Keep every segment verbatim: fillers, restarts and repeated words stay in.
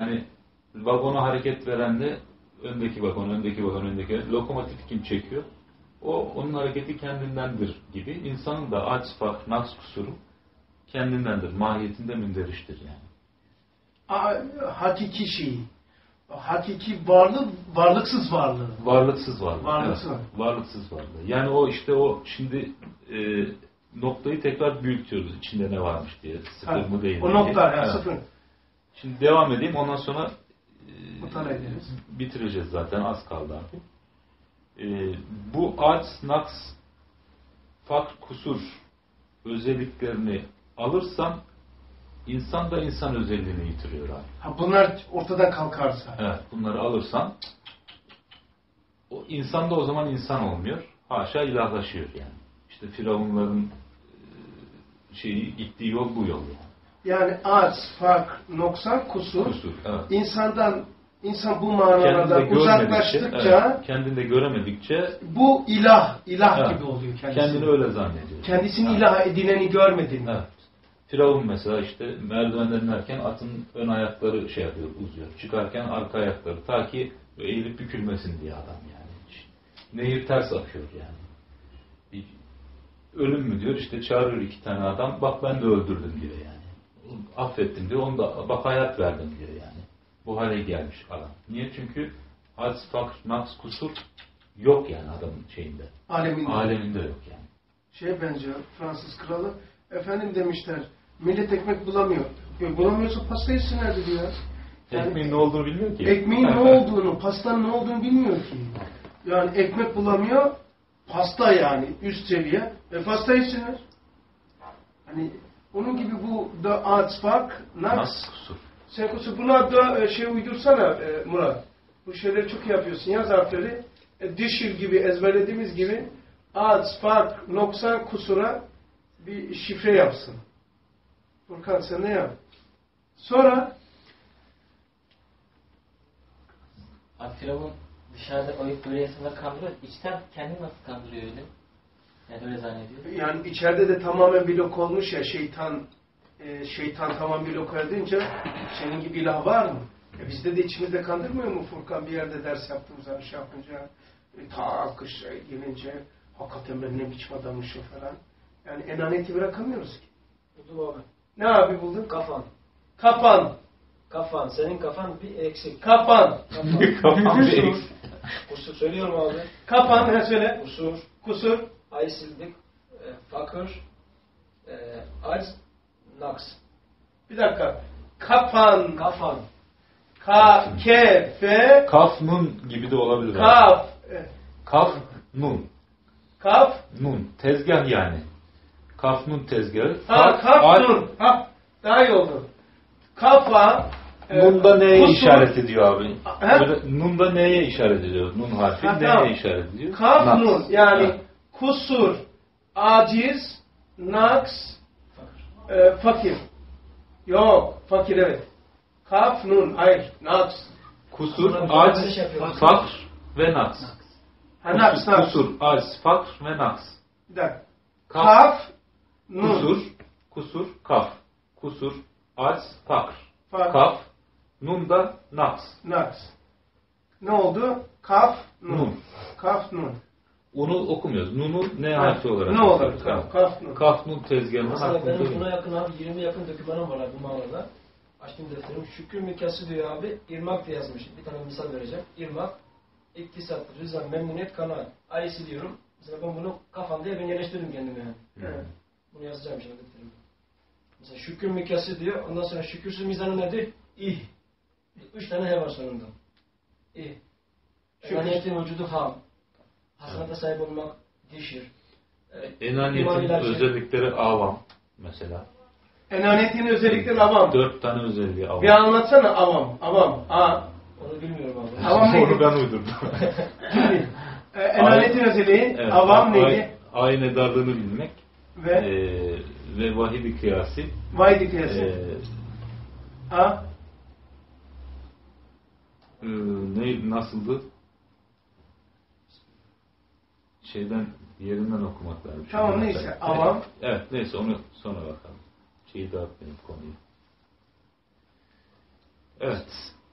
Hani vagona hareket veren de öndeki vagon, öndeki vagon, öndeki lokomotif kim çekiyor? O onun hareketi kendindendir gibi. İnsanın da aciz, fakr, naks kusuru kendindendir. Mahiyetinde münderiştir yani. Hakiki şey. Hakiki varlık, varlıksız varlığı. Varlıksız varlığı. Varlıksız. Evet, varlıksız varlığı. Yani o işte o şimdi e, noktayı tekrar büyütüyoruz içinde ne varmış diye. Sıfır ha, mı değil mi? O nokta ya evet. Sıfır. Şimdi devam edeyim. Ondan sonra e, bitireceğiz zaten. Az kaldı abi. E, bu aciz, naks, fakr, kusur özelliklerini alırsam insan da insan özelliğini yitiriyor abi. Ha, bunlar ortadan kalkarsa. Evet. Bunları alırsan o insan da o zaman insan olmuyor. Haşa ilahlaşıyor yani. İşte Firavunların şeyi gittiği yol bu yol yani. Yani aciz, fakr, noksan, kusur. Kusur, evet. İnsandan insan bu manalardan uzaklaştıkça evet, kendinde göremedikçe bu ilah, ilah evet, gibi oluyor kendisi. Kendini öyle zannediyor. Kendisini evet, ilah edineni görmedin. Evet. Firavun mesela işte merdivenden inerken atın ön ayakları şey yapıyor, uzuyor. Çıkarken arka ayakları. Ta ki eğilip bükülmesin diye adam yani. Nehir ters akıyor yani. Bir ölüm mü diyor, işte çağırıyor iki tane adam. Bak ben de öldürdüm diyor yani. Affettim diyor, onu da bak hayat verdim diyor yani. Bu hale gelmiş adam. Niye? Çünkü aciz, fakr, naks, kusur yok yani adamın şeyinde. Aleminde. Aleminde yok yani. Şey bence Fransız kralı, efendim demişler, millet ekmek bulamıyor. E, bulamıyorsa pasta yesinlerdi diyor. Yani, ekmeğin ne olduğunu bilmiyor ki. Ekmeğin ne olduğunu, pastanın ne olduğunu bilmiyor ki. Yani ekmek bulamıyor, pasta yani üst seviye. E pasta yesinler. Hani onun gibi bu da aciz, fakr, naks, kusur. Sen kusur. Buna da şey uydursana e, Murat. Bu şeyleri çok iyi yapıyorsun. Yaz harfleri. E, dişir gibi ezberlediğimiz gibi aciz, fakr, noksan, kusura bir şifre yapsın. Furkan sen ne yap? Sonra Firavun dışarıda oyup böyle insanları kandırıyor. İçten kendini nasıl kandırıyor öyle? Yani öyle zannediyor. Yani içeride de tamamen blok olmuş ya şeytan e, şeytan tamam blok edince senin gibi ilah var mı? E bizde de içimizde kandırmıyor mu Furkan bir yerde ders yaptığımız zaman şey yapınca e, ta kış gelince hakikaten ben ne biçim adammışım falan. Yani enaniyeti bırakamıyoruz ki. Buldum abi. Ne abi buldun? Kafan. Kapan. Kafan. Senin kafan bir eksik. Kapan. Kapan, kapan bir eksik. Kusur söylüyorum abi. Kapan ne söyle? Kusur. Kusur. Aysizlik. E, fakir. E, aciz. Naks. Bir dakika. Kapan. Kafan. Ka, ke, fe. Kaf, nun gibi de olabilir. Kaf. Kaf, nun. Kaf. Nun. Tezgah yani. Kaf, nun tezgahı. Ha, kaf, nun. Ha, daha iyi oldu. Kafa. Nun da neye kusur, işaret ediyor abi? He? Nun da neye işaret ediyor? Nun harfi ha, neye tamam, işaret ediyor? Kaf, naks. nun. Yani ha, kusur, aciz, naks, e, fakir. Yok, fakir evet. Kaf, nun, hayır, naks. Kusur, aciz, fakr ve naks. Ha, naks, kusur, naks. Kusur, aciz, fakr ve naks. Bir dakika. Kaf, kaf nun. Kusur, kusur, kaf. Kusur, aciz, fakr. Fakr. Kaf, nun da naks. Naks. Ne oldu? Kaf, nun. nun. Kaf, nun. Onu okumuyoruz. Nunu ne harfi olarak? Ne olur? Kaf, kaf, nun. Kaf, nun tezgahının mesela benim buna yakın abi yirmi yakın dokümanım var abi bu mağarada. Açtım defterim. Şükür mükası diyor abi. İrmak diye yazmış. Bir tane misal vereceğim. İrmak, iktisat, rıza, memnuniyet, kanaat. Ayısı diyorum. Mesela ben bunu kafam diye ben yerleştirdim kendime yani. Evet. Bunu yazacağım şimdi defterimde. Mesela şükür mükası diyor. Ondan sonra şükürsüz mizanı nedir? İh. Üç tane he var sonunda. İh. Enaniyetin vücudu ham. Hasanata sahip olmak dişir. Evet. Enaniyetin özellikleri avam mesela. Enaniyetin özellikleri avam. Dört tane özelliği avam. Bir anlatsana avam. Avam. A. Onu bilmiyorum abi. Avam neydi? Onu ben uydurdum. e, enaniyetin özelliği evet, avam neydi? Ayın edarlığını bilmek. Ve? E, ve vahidi kıyası. Vahidi kıyası. E, A. E, ne, nasıldı? Şeyden, yerinden okumak lazım. Tamam neyse. Avam. Evet neyse onu sonra bakalım. Şeyi dağıtmayayım konuyu. Evet.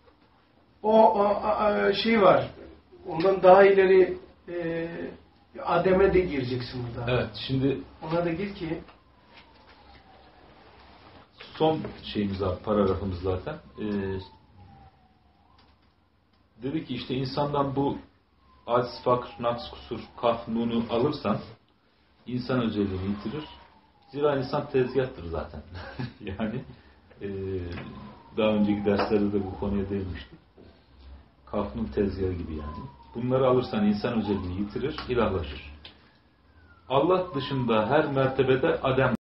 o, o a, şey var. Ondan daha ileri e, Adem'e de gireceksin burada. Evet, şimdi Ona da gir ki son şeyimiz var, paragrafımız zaten. Ee, dedi ki işte insandan bu aciz, fakr, naks, kusur, kaf, nunu alırsan insan özelliğini yitirir. Zira insan tezgahtır zaten. Yani e, daha önceki derslerde de bu konuya değinmiştik. Kafnun tezgahı gibi yani. Bunları alırsan insan özelliğini yitirir, ilahlaşır. Allah dışında her mertebede Adem